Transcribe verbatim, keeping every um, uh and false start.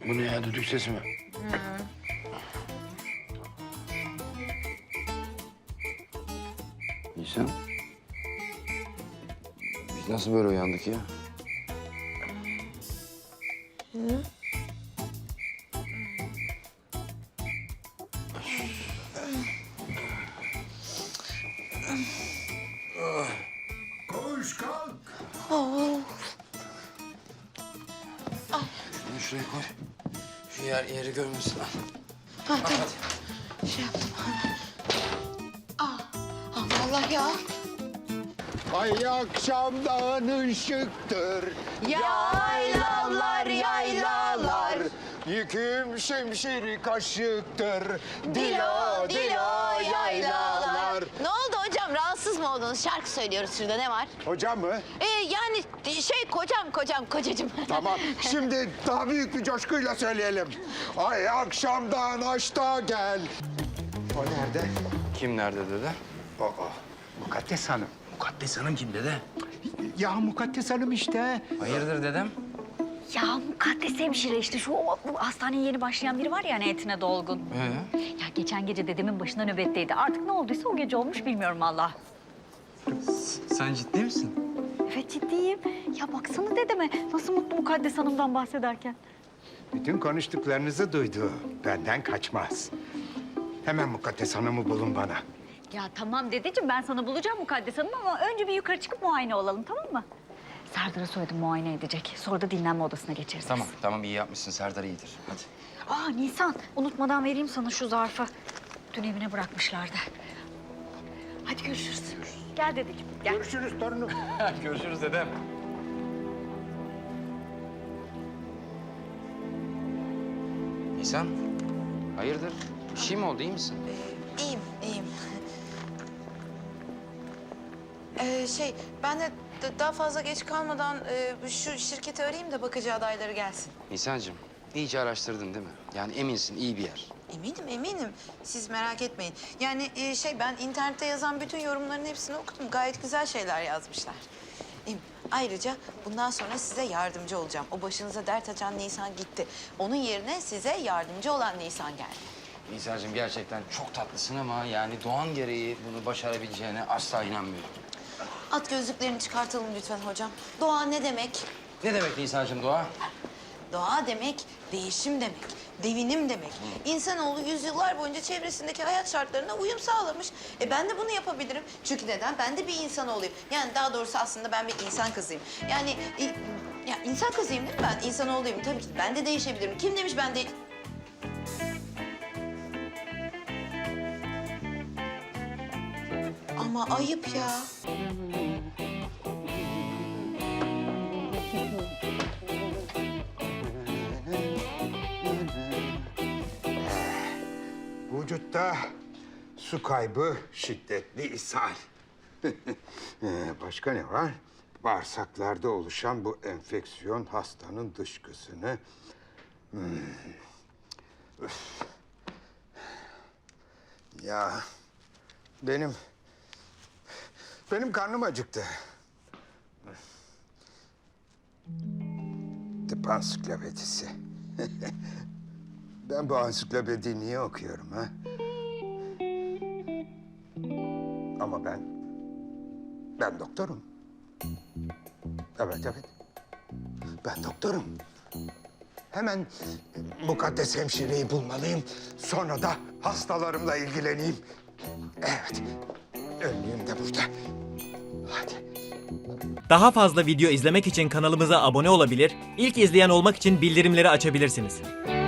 Bu ne ya, düdük sesi mi? Nisan. Biz nasıl böyle uyandık ya? Koş kalk. Şunu şuraya koy. Şu yer yeri görmesin lan. Ha, tamam. Şey yaptım. Aa, aman Allah ya. Ay akşamdan ışıktır. Yaylalar, yaylalar. Yüküm şimşiri kaşıktır. Dilo, dilo, yaylalar. Ne oldu hocam? Rahatsız mı oldunuz? Şarkı söylüyoruz şurada. Ne var? Hocam mı? Ee, yani şey kocam, kocam, kocacığım. Tamam. Şimdi daha büyük bir coşkuyla söyleyelim. Ay akşamdan aşta gel. O nerede? Kim nerede dede? O, o. Mukaddes Hanım. Mukaddes Hanım kim dede? Ya Mukaddes Hanım işte. Hayırdır dedem? Ya mukaddes hemşire işte şu o, bu hastaneye yeni başlayan biri var ya hani etine dolgun. Ee? Ya geçen gece dedemin başına nöbetteydi. Artık ne olduysa o gece olmuş bilmiyorum valla. Sen ciddi misin? Evet ciddiyim. Ya baksana dedeme nasıl mutlu mukaddes hanımdan bahsederken. Bütün konuştuklarınızı duydu. Benden kaçmaz. Hemen Mukaddes Hanım'ı bulun bana. Ya tamam dedeciğim ben sana bulacağım mukaddes hanım ama önce bir yukarı çıkıp muayene olalım tamam mı? Serdar'a söyledim muayene edecek. Sonra da dinlenme odasına geçeriz. Tamam, tamam iyi yapmışsın. Serdar iyidir. Hadi. Aa Nisan unutmadan vereyim sana şu zarfı. Dün evine bırakmışlardı. Hadi görüşürüz. Gel dedeciğim gel. Görüşürüz torunum. Görüşürüz dedem. Nisan, hayırdır? Bir şey mi oldu, iyi misin? İyiyim, iyiyim. Ee, şey, ben de d- daha fazla geç kalmadan e, şu şirketi arayayım da bakıcı adayları gelsin. Nisan'cığım, iyice araştırdın değil mi? Yani eminsin, iyi bir yer. Eminim, eminim. Siz merak etmeyin. Yani e, şey, ben internette yazan bütün yorumların hepsini okudum. Gayet güzel şeyler yazmışlar. Em, Ayrıca bundan sonra size yardımcı olacağım. O başınıza dert açan Nisan gitti. Onun yerine size yardımcı olan Nisan geldi. Nisan'cığım gerçekten çok tatlısın ama yani doğan gereği bunu başarabileceğine asla inanmıyorum. At gözlüklerini çıkartalım lütfen hocam. Doğa ne demek? Ne demek Nisan'cığım doğa? Doğa demek değişim demek, devinim demek. İnsanoğlu yüzyıllar boyunca çevresindeki hayat şartlarına uyum sağlamış. E ben de bunu yapabilirim. Çünkü neden? Ben de bir insanoğluyum. Yani daha doğrusu aslında ben bir insan kızıyım. Yani e, ya insan kızıyım değil mi ben? İnsanoğluyum tabii ki. Ben de değişebilirim. Kim demiş ben de... Ama ayıp ya. Vücutta su kaybı, şiddetli ishal. Ee, Başka ne var? Bağırsaklarda oluşan bu enfeksiyon hastanın dışkısını... Hmm. Üf. Ya benim... Benim karnım acıktı. Tıp ansiklopedisi. Ben bu ansiklopediyi niye okuyorum ha? Ama ben... Ben doktorum. Evet, evet. Ben doktorum. Hemen mukaddes hemşireyi bulmalıyım. Sonra da hastalarımla ilgileneyim. Evet. Önlüğüm de burada. Hadi. Daha fazla video izlemek için kanalımıza abone olabilir, ilk izleyen olmak için bildirimleri açabilirsiniz.